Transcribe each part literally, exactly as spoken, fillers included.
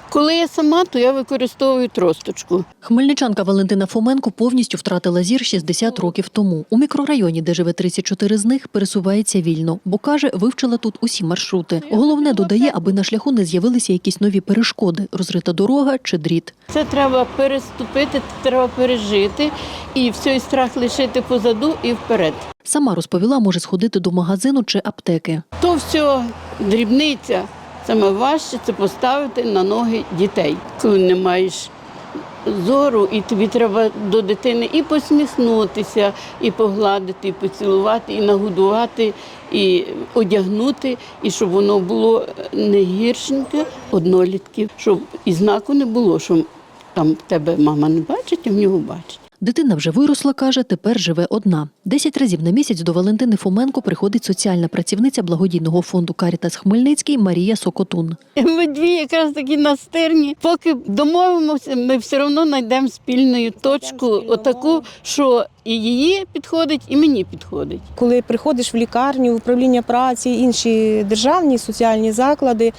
Коли я сама, то я використовую тросточку. Хмельничанка Валентина Фоменко повністю втратила зір шістдесят років тому. У мікрорайоні, де живе тридцять чотири з них, пересувається вільно, бо, каже, вивчила тут усі маршрути. Головне, додає, аби на шляху не з'явилися якісь нові перешкоди – розрита дорога чи дріт. Це треба переступити, треба пережити і всій страх лишити позаду і вперед. Сама розповіла, може сходити до магазину чи аптеки. То все дрібниця. Саме важче – це поставити на ноги дітей. Коли не маєш зору, і тобі треба до дитини і посміхнутися, і погладити, і поцілувати, і нагодувати, і одягнути, і щоб воно було не гіршеньке, однолітків, щоб і знаку не було, що там тебе мама не бачить, а в нього бачить. Дитина вже виросла, каже, тепер живе одна. Десять разів на місяць до Валентини Фоменко приходить соціальна працівниця благодійного фонду «Карітас Хмельницький» Марія Сокотун. Ми дві якраз такі настирні. Поки домовимося, ми все одно знайдемо спільну точку, отаку, що і її підходить, і мені підходить. Коли приходиш в лікарню, в управління праці, інші державні соціальні заклади,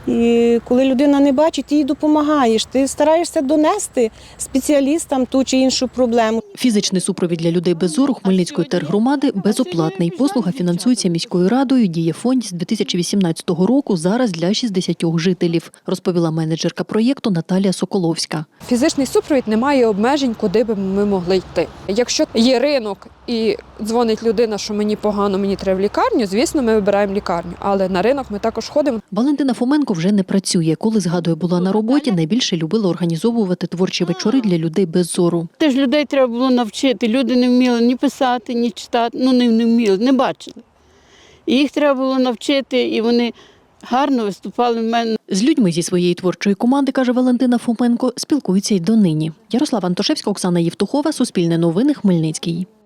і коли людина не бачить, ти їй допомагаєш. Ти стараєшся донести спеціалістам ту чи іншу проблему. Фізичний супровід для людей без зору Хмельницької тергромади безоплатний. Послуга фінансується міською радою, діє фонд з дві тисячі вісімнадцятого року, зараз для шістдесят жителів, розповіла менеджерка проєкту Наталія Соколовська. Фізичний супровід не має обмежень, куди б ми могли йти. Якщо є ринок і дзвонить людина, що мені погано, мені треба в лікарню, звісно, ми вибираємо лікарню, але на ринок ми також ходимо. Валентина Фоменко вже не працює. Коли, згадує, була на роботі, найбільше любила організовувати творчі вечори для людей без зору. Теж людей треба було навчити. Люди не вміли ні писати, ні читати, ну не, не вміли, не бачили. І їх треба було навчити, і вони гарно виступали в мене. З людьми зі своєї творчої команди, каже Валентина Фоменко, спілкуються й донині. Ярослава Антошевська, Оксана Євтухова, Суспільне новини, Хмельницький.